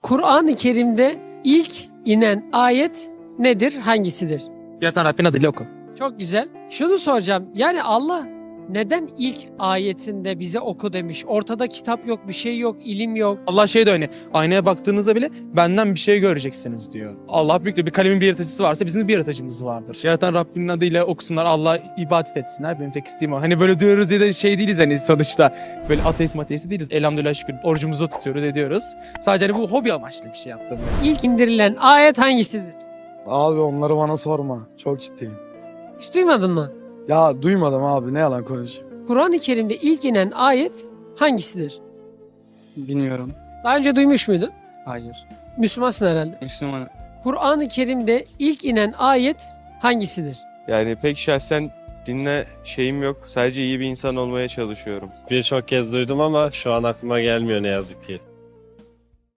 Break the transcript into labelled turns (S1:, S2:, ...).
S1: Kur'an-ı Kerim'de ilk inen ayet nedir? Hangisidir?
S2: Yaratan Rabbin adıyla oku.
S1: Çok güzel. Şunu soracağım. Yani Allah neden ilk ayetinde bize oku demiş? Ortada kitap yok, bir şey yok, ilim yok.
S2: Allah şey de öyle. Aynaya baktığınızda bile benden bir şey göreceksiniz diyor. Allah büyüktür. Bir kalemin bir yaratıcısı varsa bizim de bir yaratıcımız vardır. Yaratan Rabbinin adıyla okusunlar. Allah'a ibadet etsinler. Benim tek isteğim o. Hani böyle diyoruz diye de şey değiliz hani sonuçta. Böyle ateist mateist değiliz. Elhamdülillah şükür orucumuzu tutuyoruz ediyoruz. Sadece hani bu hobi amaçlı bir şey yaptım.
S1: İlk indirilen ayet hangisidir?
S3: Abi onları bana sorma. Çok ciddiyim.
S1: Hiç duymadın mı?
S3: Ya duymadım abi, ne yalan konuşayım.
S1: Kur'an-ı Kerim'de ilk inen ayet hangisidir?
S4: Bilmiyorum.
S1: Daha önce duymuş muydun?
S4: Hayır.
S1: Müslümansın herhalde.
S4: Müslüman.
S1: Kur'an-ı Kerim'de ilk inen ayet hangisidir?
S5: Yani pek şahsen dinle şeyim yok. Sadece iyi bir insan olmaya çalışıyorum.
S6: Birçok kez duydum ama şu an aklıma gelmiyor ne yazık ki.